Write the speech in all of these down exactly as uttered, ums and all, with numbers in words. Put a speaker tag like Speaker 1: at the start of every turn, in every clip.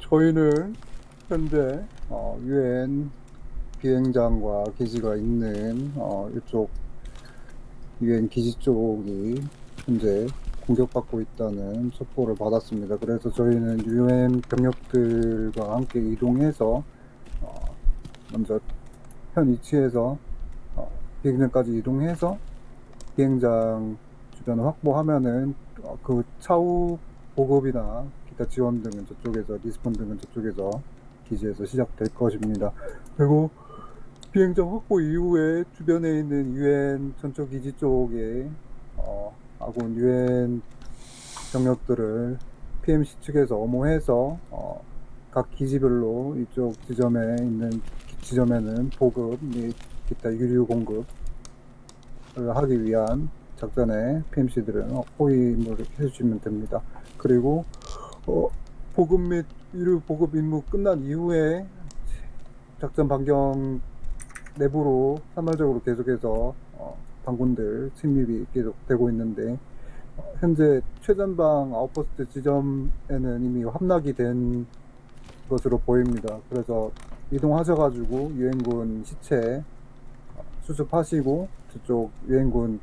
Speaker 1: 저희는 현재 어, 유엔 비행장과 기지가 있는 어, 이쪽 유엔 기지 쪽이 현재 공격받고 있다는 첩보를 받았습니다. 그래서 저희는 유엔 병력들과 함께 이동해서 어, 먼저 현 위치에서 어, 비행장까지 이동해서 비행장 주변을 확보하면은 어, 그 차후 보급이나 기타 지원 등은 저쪽에서 리스폰 등은 저쪽에서 기지에서 시작될 것입니다. 그리고 비행장 확보 이후에 주변에 있는 유엔 전초 기지 쪽에 어, 아군 유엔 병력들을 피엠씨 측에서 엄호해서 어, 각 기지별로 이쪽 지점에 있는 지점에는 보급 및 기타 유류 공급을 하기 위한 작전에 피엠씨들은 호위 임무를 해주시면 됩니다. 그리고 어, 보급 및 유류 보급 임무 끝난 이후에 작전 반경 내부로 산발적으로 계속해서 어, 반군들 침입이 계속되고 있는데 어, 현재 최전방 아웃포스트 지점에는 이미 함락이 된 것으로 보입니다. 그래서 이동하셔가지고 유엔군 시체 어, 수습하시고 저쪽 유엔군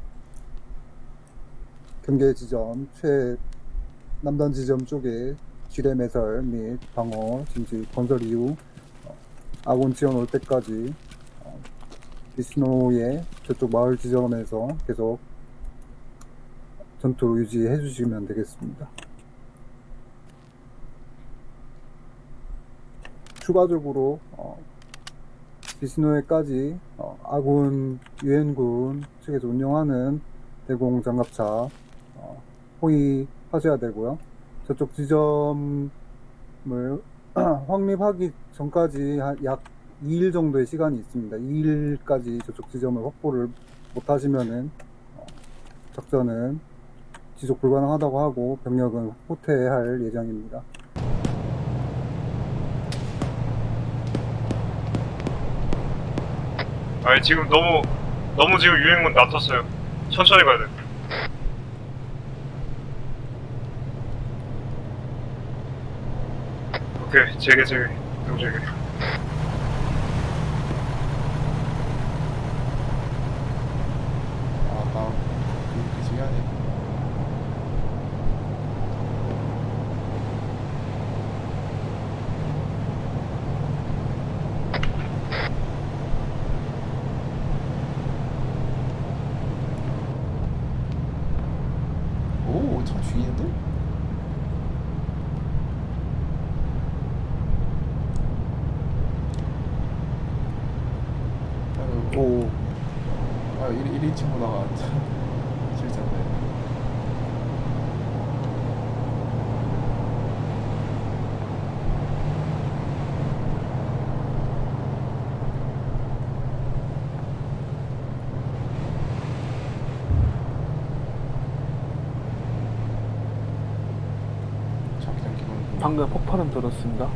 Speaker 1: 경계 지점 최 남단 지점 쪽에 지뢰 매설 및 방어 진지 건설 이후 어, 아군 지원 올 때까지 어, 비스노의 저쪽 마을 지점에서 계속 전투 유지해 주시면 되겠습니다. 추가적으로 어, 비스노에까지 어, 아군 유엔군 측에서 운영하는 대공 장갑차 어, 호위하셔야 되고요. 저쪽 지점을 확립하기 전까지 약 이 일 정도의 시간이 있습니다. 이 일까지 저쪽 지점을 확보를 못 하시면은 어, 작전은 지속 불가능하다고 하고 병력은 후퇴할 예정입니다.
Speaker 2: 아니 지금 너무 너무 지금 유행문 낮췄어요. 천천히 가야 돼. 오케이 제게 제게 형 제게.
Speaker 3: 아나 그, 그 시간에 오참 죽이는데? 아유
Speaker 1: 오,
Speaker 3: 아 일 인칭 보다가 실수한다. 자기장 기본
Speaker 4: 방금 폭발음 들었습니다.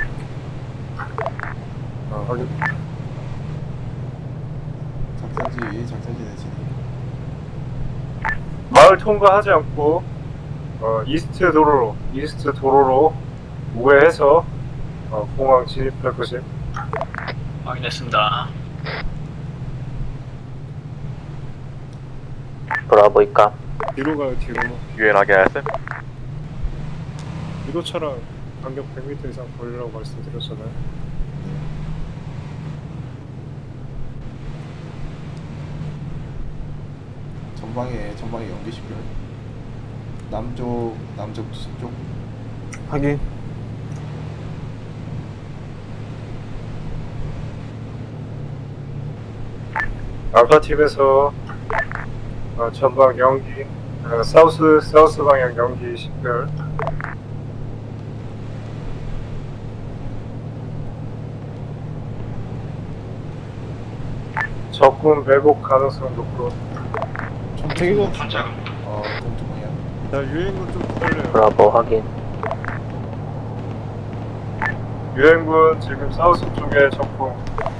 Speaker 1: 아, 확인.
Speaker 3: 작전지 작전지 내지니
Speaker 2: 마을 통과하지 않고 어, 이스트 도로로 이스트 도로로 우회해서 어, 공항 진입할 것임.
Speaker 5: 확인했습니다.
Speaker 6: 브라보이까
Speaker 2: 뒤로 가요 뒤로.
Speaker 6: 유연하게 하세요.
Speaker 2: 유도차랑 간격 백 미터 이상 걸리라고 말씀드렸잖아요.
Speaker 3: 전방에 전방에 연기시켜요. 남쪽 남쪽 투수 쪽
Speaker 4: 확인.
Speaker 2: 알파 팀에서 어, 전방 연기 어, 사우스 사우스 방향 연기 식별. 적군 매복 가능성 높고.
Speaker 4: 대기고
Speaker 3: 어 동쪽 방향.
Speaker 2: 자 유행군 좀 기다려요.
Speaker 6: 브라보 확인.
Speaker 2: 유행군 지금 사우스 쪽에 적군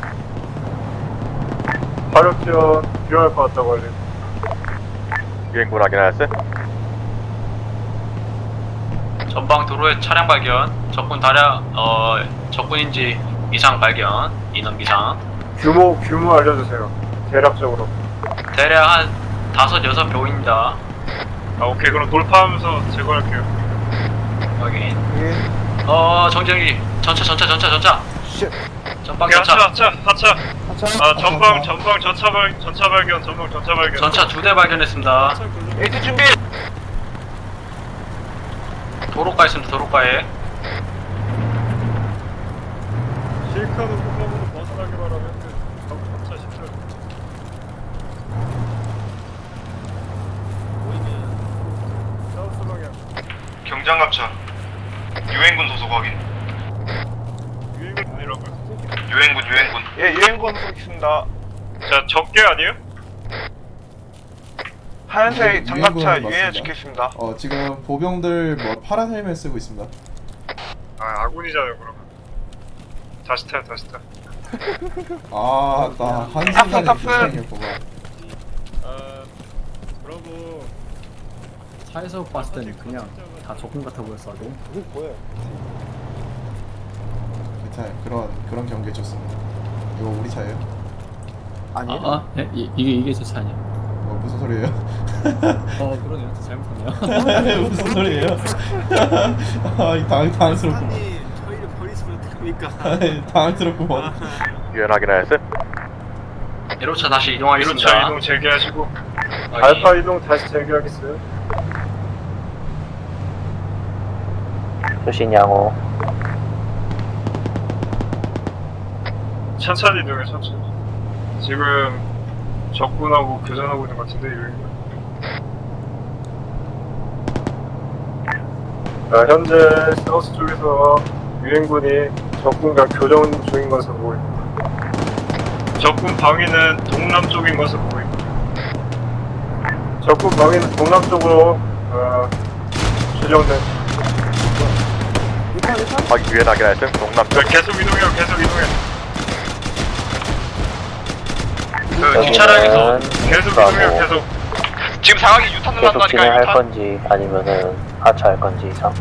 Speaker 2: 화력 지원 필요할 것 같다고 알림.
Speaker 6: 유엔군 확인하셨어요?
Speaker 5: 전방 도로에 차량 발견. 적군 다량 어 적군인지 이상 발견. 인원 비상.
Speaker 2: 규모 규모 알려주세요. 대략적으로.
Speaker 5: 대략 한 다섯 여섯 명입니다.
Speaker 2: 아 오케이 그럼 돌파하면서 제거할게요.
Speaker 5: 확인.
Speaker 4: 예.
Speaker 5: 어 정정이 전차 전차 전차 전차.
Speaker 4: 쉣.
Speaker 5: 전방
Speaker 2: 오케이 하차
Speaker 5: 전차.
Speaker 2: 하차 하차.
Speaker 4: 하차.
Speaker 2: 아 전방 전방 전차 발 전차 발견 전방 전차 발견.
Speaker 5: 전차 두 대 발견했습니다.
Speaker 4: 에이티 준비.
Speaker 5: 도로가에 있습니다. 도로가에.
Speaker 2: 실카도 구멍으로 벗어나게 바라면 전차 시절. 사우스 방향.
Speaker 7: 경장갑차 유엔군 소속 확인.
Speaker 2: 유행은 아니라고요.
Speaker 7: 유엔군 유엔군.
Speaker 4: 예, 유행권 쏘겠습니다.
Speaker 2: 자 적게 아니에요?
Speaker 4: 하얀색 장갑차
Speaker 3: 유행권
Speaker 4: 유엔에
Speaker 3: 맞습니다.
Speaker 4: 찍겠습니다.
Speaker 3: 어 지금 보병들 뭐 파란 헬멧 쓰고 있습니다.
Speaker 2: 아 아군이잖아요 그러면. 다시 타요 다시 타.
Speaker 3: 아나 한순간에
Speaker 4: 탑승, 탑승.
Speaker 3: 긴장이었구만.
Speaker 2: 아 브라보.
Speaker 8: 차에서 봤을 때는 그냥 다 적군 같아 보였어. 아주.
Speaker 4: 이게 뭐예요?
Speaker 3: 괜찮아요. 그런 그런 경계 좋습니다. 이거 우리 차예요?
Speaker 4: 아니에요.
Speaker 8: 아, 아 예, 이, 이게 이게 제 차 아니야?
Speaker 3: 어 무슨 소리예요?
Speaker 8: 어 그러네요. 저 잘못했네요.
Speaker 3: 무슨 소리예요? 아 당 당스럽고.
Speaker 8: 저희를 버리시면 어떡합니까?
Speaker 3: 당황스럽구만.
Speaker 6: 유엔 확인하였음?
Speaker 5: 일 호차 다시 이동하겠습니다.
Speaker 2: 일 호차 이동 재개하시고.
Speaker 5: 확인.
Speaker 2: 알파 이동 다시 재개하겠어요.
Speaker 6: 수신 양호.
Speaker 2: 천천히 이동해 천천히. 지금 적군하고 교전하고 있는 것 같은데 유행군. 자 현재 사우스 쪽에서 유행군이 적군과 교전 중인 것으로 보입니다. 적군 방위는 동남쪽인 것으로 보입니다. 적군 방위는 동남쪽으로 어, 추정된.
Speaker 6: 확인 유엔 확인하였음? 동남쪽.
Speaker 2: 자, 계속 이동해요 계속 이동해.
Speaker 5: 그 뒷차량에서
Speaker 2: 계속 이동해요 계속.
Speaker 7: 지금 상황이 유탄
Speaker 6: 계속
Speaker 7: 날라니까
Speaker 6: 진행할
Speaker 7: 유탄.
Speaker 6: 건지 아니면은 하차할 건지 이상.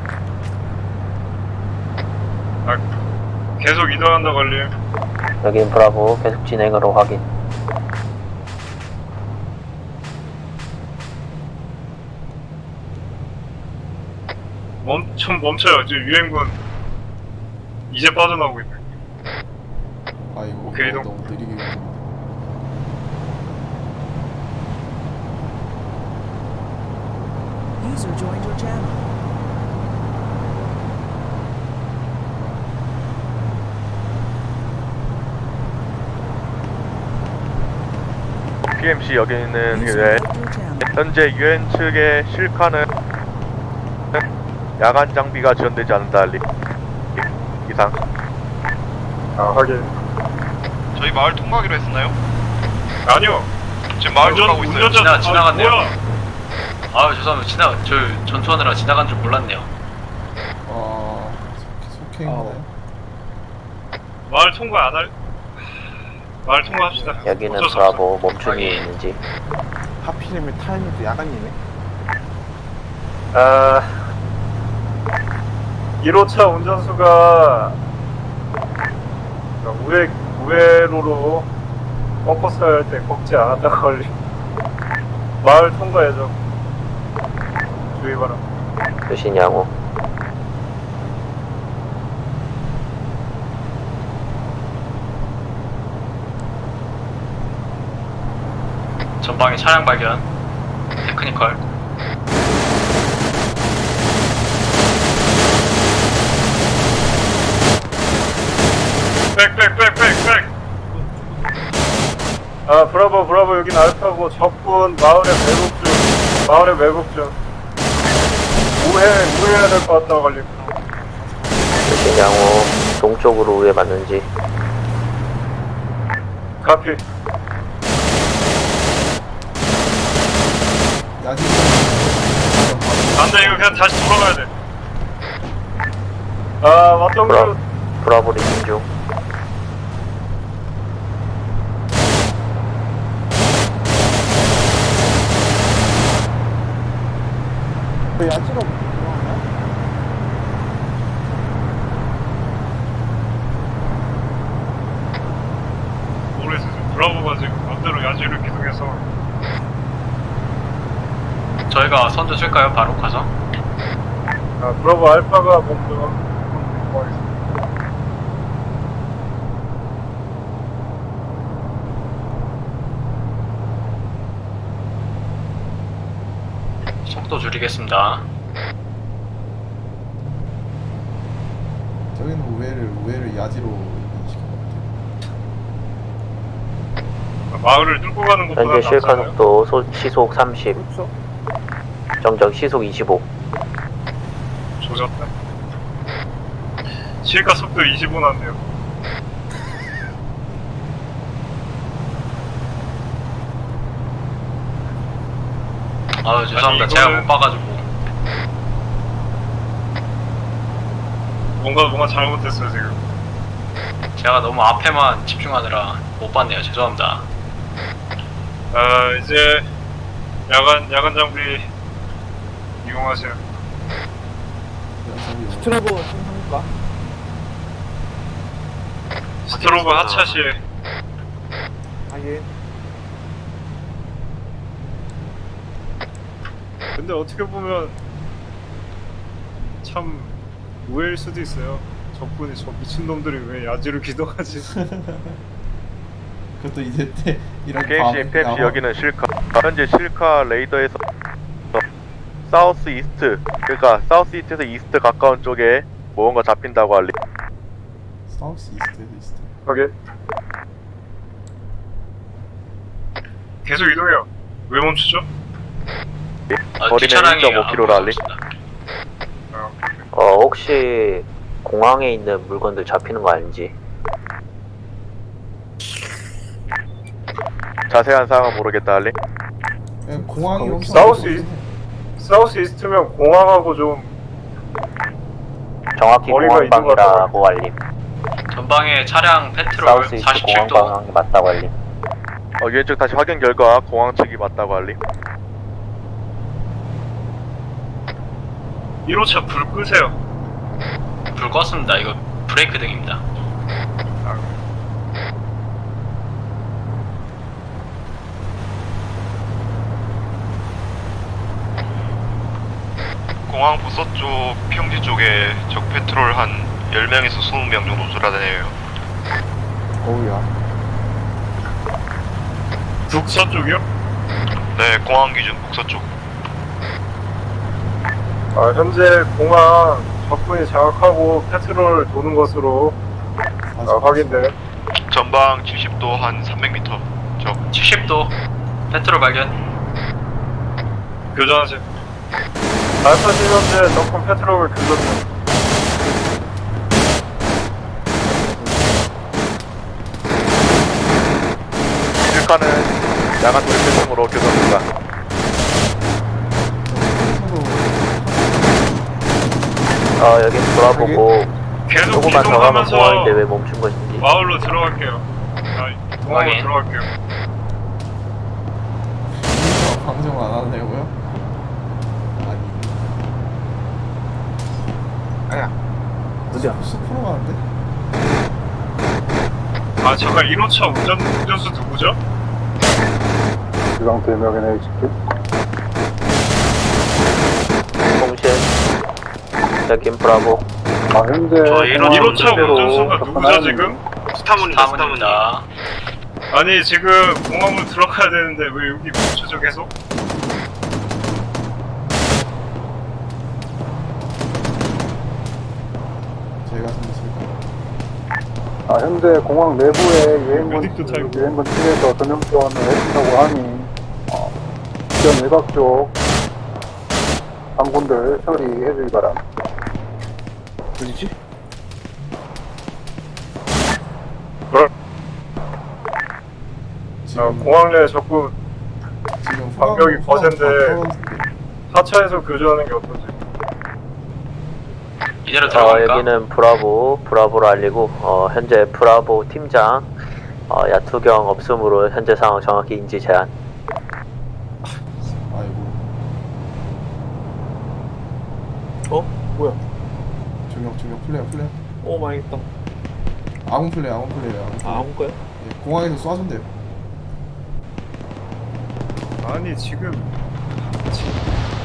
Speaker 2: 아, 계속 이동한다 걸림.
Speaker 6: 여긴 브라보 계속 진행으로 확인.
Speaker 2: 멈좀 멈춰요. 지금 유행군 이제 빠져나오고 있네.
Speaker 3: 아이고
Speaker 2: 오케이,
Speaker 3: 어,
Speaker 2: 이동.
Speaker 3: 너무 느리게 움직인다.
Speaker 9: User joined your channel.
Speaker 6: 피엠씨 여기는
Speaker 9: User
Speaker 6: 유엔.
Speaker 9: left your channel.
Speaker 6: 현재 유엔 측의 실카는 야간 장비가 지원되지 않는다 알리. 이상.
Speaker 2: 아 확인.
Speaker 7: 저희 마을 통과하기로 했었나요?
Speaker 2: 아니요.
Speaker 7: 지금 마을
Speaker 2: 운전-
Speaker 7: 통과하고 있어요.
Speaker 2: 운전자-
Speaker 5: 지나- 지나갔네요.
Speaker 2: 아, 뭐야?
Speaker 5: 아 죄송합니다. 지나 저 전투하느라 지나간 줄 몰랐네요.
Speaker 3: 어 속- 속행이나요?
Speaker 2: 마을 통과 안 할. 마을 통과합시다.
Speaker 6: 여기는
Speaker 2: 어쩔 수 없어.
Speaker 6: 브라보 멈춤이
Speaker 5: 확인.
Speaker 6: 있는지.
Speaker 4: 하필이면 타이밍도 야간이네.
Speaker 2: 아, 일 호차 운전수가 우회 우회로로 꺾었어 할때 꺾지 않았다 걸리. 마을 통과 예정. 주의 바람.
Speaker 6: 수신 양호.
Speaker 5: 전방에 차량 발견. 테크니컬.
Speaker 2: 백백백백백. 아 브라보 브라보 여긴 알파고 적군 마을에 매복 중. 마을에 매복 중. 우회 우회해야 될 것 같다 걸리.
Speaker 6: 수신 양호. 동쪽으로 우회 맞는지.
Speaker 2: 카피.
Speaker 3: 야지.
Speaker 2: 안돼 이거 그냥 다시 돌아가야 돼. 아 왔던
Speaker 6: 브라,
Speaker 2: 거.
Speaker 6: 브라보 리딩 중.
Speaker 4: 왜 야지가 들어가나?
Speaker 5: 저희가 선두 쓸까요? 바로 가서?
Speaker 2: 아, 브라보 알파가 먼저 공항했습니다.
Speaker 5: 속도 줄이겠습니다.
Speaker 3: 저기는 우회를 우회를 야지로 인식한 것 같아요.
Speaker 2: 마을을 뚫고 가는 것보다
Speaker 9: 현재 실카
Speaker 2: 낫잖아요.
Speaker 9: 속도 소, 시속 삼십,
Speaker 1: 그렇죠.
Speaker 9: 정적 시속 이십오.
Speaker 2: 조졌다. 실가 속도 이십오 났네요.
Speaker 5: 아 죄송합니다.
Speaker 2: 아니,
Speaker 5: 제가
Speaker 2: 이거는-
Speaker 5: 못 봐가지고.
Speaker 2: 뭔가 뭔가 잘못됐어요 지금.
Speaker 5: 제가 너무 앞에만 집중하느라 못 봤네요. 죄송합니다.
Speaker 2: 아 이제 야간 야간 장비 이용하세요.
Speaker 4: 스트로보 충분합니까?
Speaker 2: 스트로브 하차시에
Speaker 4: 하긴.
Speaker 2: 근데 어떻게 보면 참 우회일 수도 있어요. 적군이 저 미친놈들이 왜 야지를 기동하지?
Speaker 3: 그것도 이제 때 이런
Speaker 6: 피엠씨, 피엠씨 여기는 실카. 현재 실카 레이더에서 사우스 이스트, 그러니까 사우스 이스트에서 이스트 가까운 쪽에 뭔가 잡힌다고 알리.
Speaker 3: 사우스 이스트에서 이스트.
Speaker 2: 오케이. 계속 이동해요. 왜 멈추죠?
Speaker 5: 아,
Speaker 6: 거리는
Speaker 5: 뒷차량이
Speaker 6: 일 점 오 킬로미터로
Speaker 5: 안
Speaker 6: 알리.
Speaker 5: 보였습니다.
Speaker 2: 아,
Speaker 9: 어, 혹시 공항에 있는 물건들 잡히는 거 아닌지.
Speaker 6: 자세한 사항은 모르겠다 알리.
Speaker 3: 예, 공항이 엄청
Speaker 2: 사우스
Speaker 3: 넓어서
Speaker 2: 이스트 사우스 이스트면 공항하고 좀
Speaker 9: 정확히
Speaker 2: 머리가
Speaker 9: 공항방이라고 알림.
Speaker 5: 전방에 차량 페트롤
Speaker 9: 사우스 이스트
Speaker 5: 사십칠 도.
Speaker 9: 공항방이 맞다고 알림.
Speaker 6: 어, 왼쪽 다시 확인 결과 공항 측이 맞다고 알리.
Speaker 2: 일 호차 불 끄세요.
Speaker 5: 불 껐습니다. 이거 브레이크 등입니다.
Speaker 7: 공항 북서쪽 평지 쪽에 적 페트롤 한 열 명에서 이십 명 정도 돌아다녀요.
Speaker 4: 어우야.
Speaker 2: 북서쪽이요?
Speaker 7: 네, 공항 기준 북서쪽.
Speaker 2: 아, 현재 공항 적군이 장악하고 페트롤 도는 것으로 아, 확인돼.
Speaker 7: 전방 칠십 도 한 삼백 미터. 적.
Speaker 5: 칠십 도 페트롤 발견.
Speaker 2: 교전하세요. 알파 시 현재 적군 페트롤을 교전해.
Speaker 6: 실카는 야간 돌입 배송으로 교전합니다.
Speaker 9: 어, 여긴 돌아보고
Speaker 2: 계속
Speaker 9: 조금만 더 가면
Speaker 2: 이동하면서
Speaker 9: 공항인데 왜 멈춘 것인지.
Speaker 2: 마을로 들어갈게요. 아, 공항으로
Speaker 5: 확인.
Speaker 2: 들어갈게요.
Speaker 3: 방송 안 하려고요? 아니.
Speaker 4: 아야.
Speaker 3: 어디야? 십 퍼센트 가는데?
Speaker 2: 아, 잠깐 일 호차 운전 운전수 누구죠?
Speaker 1: 이 상태 명예는 에이치큐.
Speaker 9: 통신. 여긴 브라보.
Speaker 1: 아, 현재
Speaker 5: 저 일
Speaker 1: 공항
Speaker 2: 일 호차
Speaker 1: 상태로
Speaker 2: 운전수가 누구죠
Speaker 1: 접근하는
Speaker 2: 지금?
Speaker 5: 스타문입니다. 스타문입니다.
Speaker 2: 아니 지금 공항으로 들어가야 되는데 왜 여기 멈추죠 계속?
Speaker 3: 저희가 선택할까요?
Speaker 1: 아, 현재 공항 내부에 유행군,
Speaker 2: 어디도 타이고.
Speaker 1: 유행군 측에서 전용 지원을 해준다고 하니, 어, 지원 외곽 쪽 항군들 처리해주기 바랍니다.
Speaker 4: 어디지?
Speaker 3: 지금
Speaker 2: 어, 공항 내 적군
Speaker 3: 지금
Speaker 2: 방벽이
Speaker 3: 후방-
Speaker 2: 거센데.
Speaker 3: 후방 다 털었는데.
Speaker 2: 하차해서 교전하는 게 어떤지.
Speaker 5: 이대로
Speaker 9: 어,
Speaker 5: 들어갈까?
Speaker 9: 여기는 브라보, 브라보로 알리고, 어, 현재 브라보 팀장, 어, 야투경 없음으로 현재 상황 정확히 인지 제한.
Speaker 3: 아이고.
Speaker 4: 어? 뭐야?
Speaker 3: 조명 조명 플레어 플레어.
Speaker 4: 오 망했다.
Speaker 3: 아군 플레어 아군 플레어 아군 플레어.
Speaker 4: 아, 아무 거야?
Speaker 3: 예, 공항에서 쏴준대요.
Speaker 2: 아니 지금 지-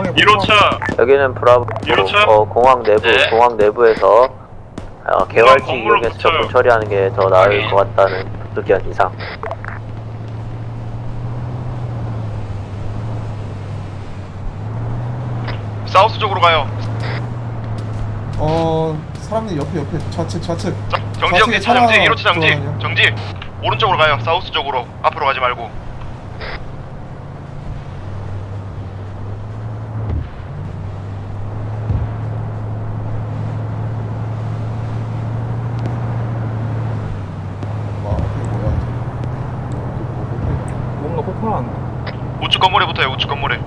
Speaker 2: 일 호차
Speaker 9: 여기는 브라보
Speaker 2: 일 호차?
Speaker 9: 어, 공항 내부
Speaker 5: 네.
Speaker 9: 공항 내부에서 어, 개활지
Speaker 2: 건물로
Speaker 9: 이용해서
Speaker 2: 붙여요.
Speaker 9: 접근 처리하는 게 더 나을
Speaker 5: 확인.
Speaker 9: 것 같다는 의견 이상.
Speaker 7: 사우스 쪽으로 가요.
Speaker 3: 어 사람들 옆에 옆에 좌측 좌측.
Speaker 7: 정지
Speaker 3: 좌측에
Speaker 7: 정지 차 정지
Speaker 3: 차가
Speaker 7: 일 호차 정지
Speaker 3: 들어가네요.
Speaker 7: 정지. 오른쪽으로 가요. 사우스 쪽으로. 앞으로 가지 말고.
Speaker 3: 와 이게 뭐야? 이게
Speaker 4: 뭔가 폭발한다.
Speaker 7: 우측 건물에 붙어요. 우측 건물에.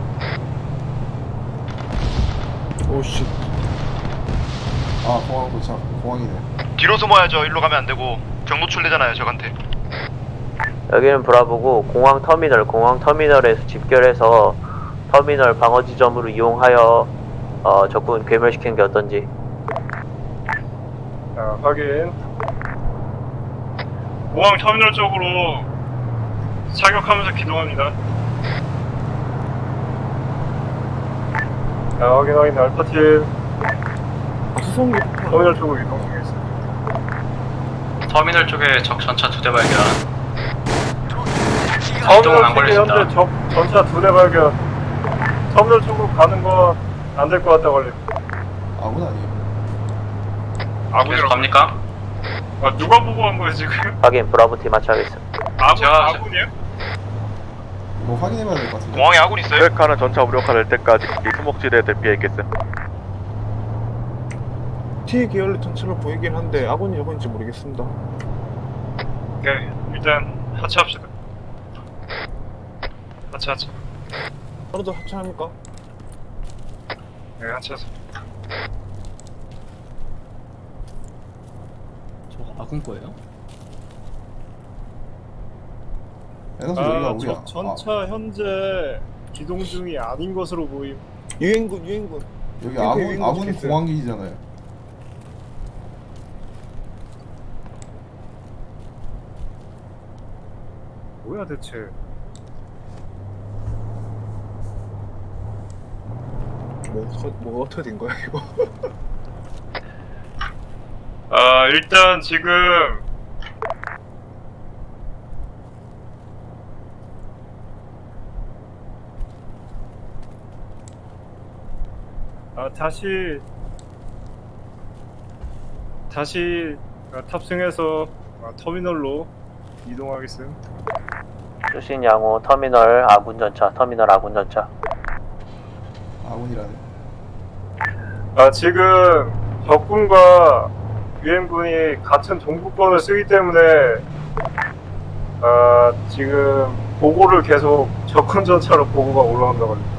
Speaker 4: 오씨.
Speaker 3: 아 공항 도착. 공항이네.
Speaker 7: 뒤로 숨어야죠. 일로 가면 안 되고 경로 출되잖아요. 저한테.
Speaker 9: 여기는 브라보고 공항 터미널 공항 터미널에서 집결해서 터미널 방어 지점으로 이용하여 어, 적군 괴멸시키는 게 어떤지.
Speaker 2: 자, 확인. 공항 터미널 쪽으로 사격하면서 기동합니다. 자, 확인 확인. 알파팀
Speaker 4: 수송기 폭발.
Speaker 2: 터미널 쪽으로 이동 중이겠습니다.
Speaker 5: 터미널 쪽에 적 전차 두 대 발견.
Speaker 2: 터미널
Speaker 5: 이동은 안
Speaker 2: 쪽에
Speaker 5: 걸렸습니다.
Speaker 2: 현재 적 전차 두 대 발견. 터미널 쪽으로 가는 건 안 될 것 같다 걸림.
Speaker 3: 아군 아니에요?
Speaker 5: 계속
Speaker 2: 아군이라고.
Speaker 5: 갑니까?
Speaker 2: 아, 누가 보고 한 거예요 지금?
Speaker 9: 확인 브라보 팀 마치하겠습니다.
Speaker 2: 아군
Speaker 5: 제가-
Speaker 2: 아군이에요?
Speaker 3: 이거 확인해봐야 될 것 같은데.
Speaker 7: 공항에 아군 있어요?
Speaker 6: 셀카는 전차 무력화될 때까지 이 수목지대에 대피했겠음.
Speaker 4: T 계열의 전체로 보이긴 한데 아군이 적은지 모르겠습니다.
Speaker 2: 오케이. 일단 하차합시다. 하차 하차.
Speaker 4: 바로도 합체합니까?
Speaker 2: 네, 하차하세요.
Speaker 8: 저거 아군 거예요?
Speaker 3: 에너지
Speaker 2: 아,
Speaker 3: 여기가 우리야.
Speaker 2: 전차 현재 기동 중이 아닌 것으로 보임.
Speaker 4: 유엔군 유엔군.
Speaker 3: 아, 여기
Speaker 4: 이렇게
Speaker 3: 아군
Speaker 4: 유인구
Speaker 3: 아군
Speaker 4: 좋겠어요.
Speaker 3: 공항기지잖아요.
Speaker 2: 뭐야 대체?
Speaker 4: 뭐, 어- 뭐 어떻게 된 거야 이거?
Speaker 2: 아 일단 지금 아 다시 다시 아, 탑승해서 아, 터미널로 이동하겠음.
Speaker 9: 수신 양호 터미널 아군 전차 터미널 아군 전차.
Speaker 3: 아군이라네.
Speaker 2: 아 지금 적군과 유엔군이 같은 동부권을 쓰기 때문에 아 지금 보고를 계속 적군 전차로 보고가 올라온다고 합니다.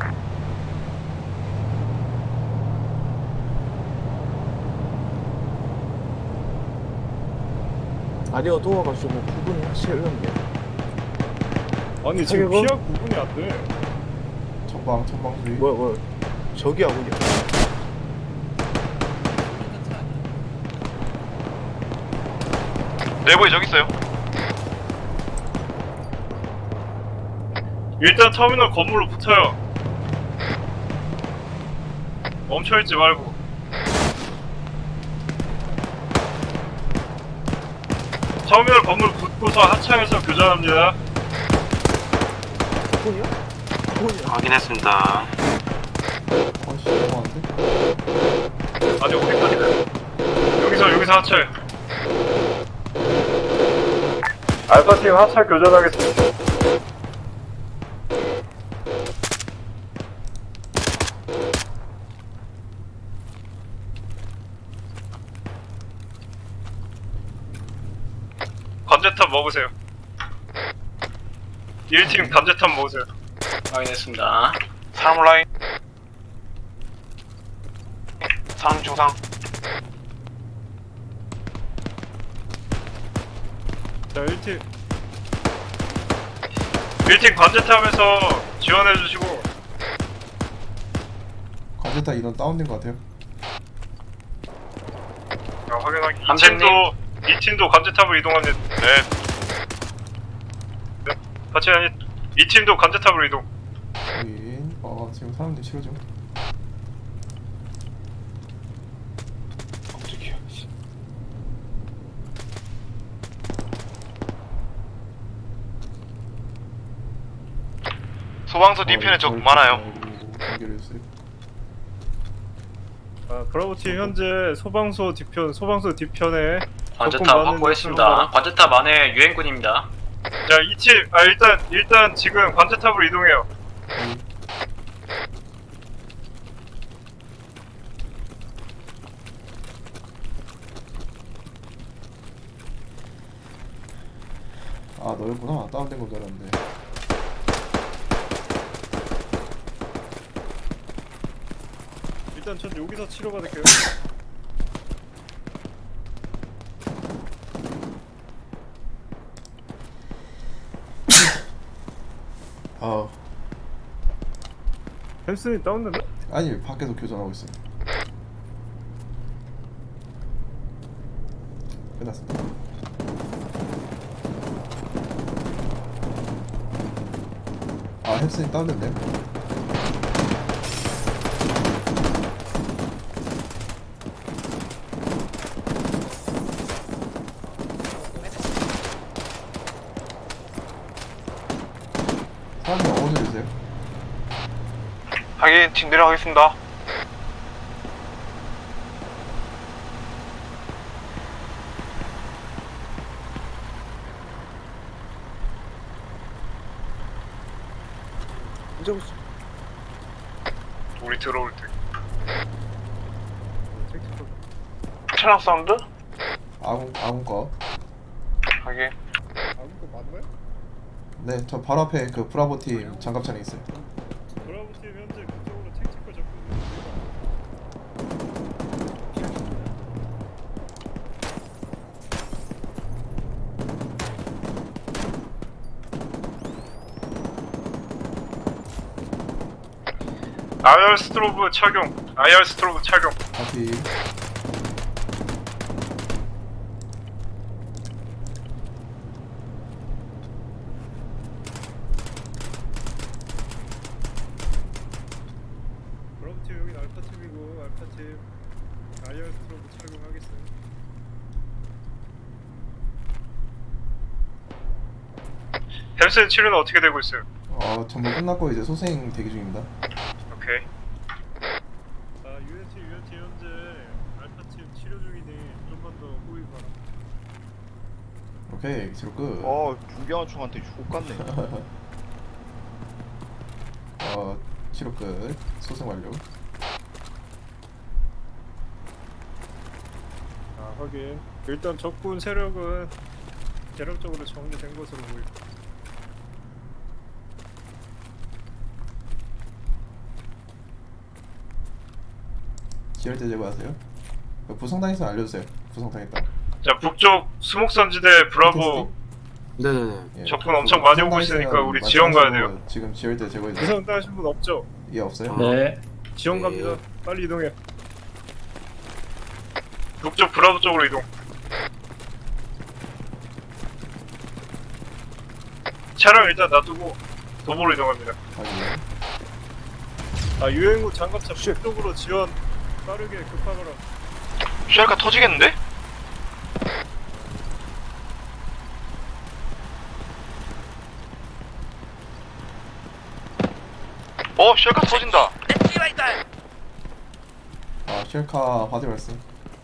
Speaker 4: 날이 어두워가지고 구분이 확실히 어렵네요.
Speaker 2: 아니
Speaker 4: 지금 피할
Speaker 2: 구분이 안 돼.
Speaker 3: 전방 전방 수위.
Speaker 4: 뭐야 뭐야? 저기 아군이야.
Speaker 7: 내부에 저기 있어요.
Speaker 2: 일단 터미널 건물로 붙어요. 멈춰있지 말고. 터미널 건물 붙고서 하차해서 교전합니다.
Speaker 4: 아군이야? 아군이야.
Speaker 5: 확인했습니다.
Speaker 3: 아씨 너무한데?
Speaker 2: 아니 어디까지 가요? 여기서 여기서 하차해. 알파팀 하차 교전하겠습니다. 관제탑 먹으세요. 일 팀 관제탑 먹으세요.
Speaker 5: 확인했습니다.
Speaker 7: 사람 라인. 사람 중상.
Speaker 2: 자, 일 팀. 일 팀 관제탑에서 지원해주시고.
Speaker 3: 관제타 인원 다운된 것 같아요.
Speaker 2: 자, 확인하기. 이
Speaker 5: 함장님.
Speaker 2: 팀도, 이 팀도 관제탑으로 이동합니다. 네. 네. 같이 아니, 이 팀도 관제탑으로 이동.
Speaker 3: 확인. 어 지금 사람들 치료 중.
Speaker 4: 깜짝이야.
Speaker 7: 소방서 뒤편에 적 많아요.
Speaker 3: 연결해주세요.
Speaker 2: 아, 브라보팀 현재 소방서 뒤편 소방서 뒤편에
Speaker 5: 관제탑
Speaker 2: 많은
Speaker 5: 확보했습니다.
Speaker 2: 사람들.
Speaker 5: 관제탑 안에 유엔군입니다.
Speaker 2: 자, 이 팀, 아 일단 일단 지금 관제탑으로 이동해요.
Speaker 3: 아 너였구나. 다운된 건 줄 알았는데.
Speaker 2: 일단 전 여기서 치료받을게요.
Speaker 3: 아
Speaker 2: 햄슨이 다운됐나?
Speaker 3: 아니 밖에서 교전하고 있어요. 끝났습니다. 아 햄슨이 다운됐네. 사람이 어디서 주세요?
Speaker 7: 확인, 팀 내려가겠습니다.
Speaker 4: 언제 오지?
Speaker 2: 우리 들어올 때.
Speaker 7: 차량 사운드?
Speaker 3: 아군 아군 거.
Speaker 7: 확인.
Speaker 2: 아무거 맞나요?
Speaker 3: 네, 저 바로 앞에 그 브라보 팀 장갑차량 있어요.
Speaker 2: 브라보팀 현재 그쪽으로 택티컬 접근. 아이알 스트로브 착용. 아이알 스트로브 착용.
Speaker 3: 앞이
Speaker 2: 브라보팀 여긴 알파팀이고 알파팀 아이알 스트로브 착용하겠습니다. 햄슨 치료는 어떻게 되고 있어요?
Speaker 3: 어 전부 끝났고 이제 소생 대기 중입니다.
Speaker 2: 오케이. 자, 유엔티 유엔티 현재 알파팀 치료 중이니 좀만 더 호의 바라.
Speaker 3: 오케이 치료 끝.
Speaker 4: 어, 중경한 총한테 죽 같네.
Speaker 3: 어 치료 끝. 소생 완료.
Speaker 2: 아, 확인. 일단 적군 세력은 대략적으로 정리된 것으로 보입니다.
Speaker 3: 지혈제 제거하세요. 그 부상당했으면 알려주세요. 부상당했다.
Speaker 2: 자, 북쪽 수목산지대 브라보
Speaker 8: 네네네.
Speaker 3: 예,
Speaker 2: 적군 엄청 많이 오고 있으니까 우리 지원 가야 돼요.
Speaker 3: 지금 지혈제 제거해 주세요.
Speaker 2: 부상 따신 분 없죠?
Speaker 3: 예 없어요?
Speaker 8: 네.
Speaker 2: 지원
Speaker 8: 네.
Speaker 2: 갑니다. 빨리 이동해. 북쪽 브라보 쪽으로 이동. 차량 일단 놔두고 도보로 이동합니다.
Speaker 3: 확인.
Speaker 2: 아, 유행구 장갑차 북쪽으로 지원 빠르게 급하거라.
Speaker 7: 쉘카 터지겠는데? 어, 쉘카 터진다.
Speaker 3: 아 쉘카 화재 발생.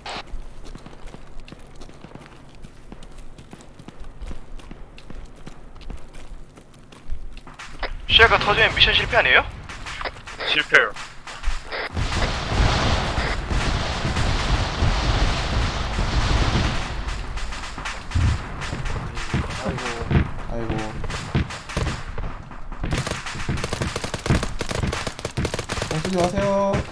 Speaker 7: 쉘카 터지면 미션 실패 아니에요?
Speaker 2: 실패요.
Speaker 3: 아이고. 어, 쓰지 마세요.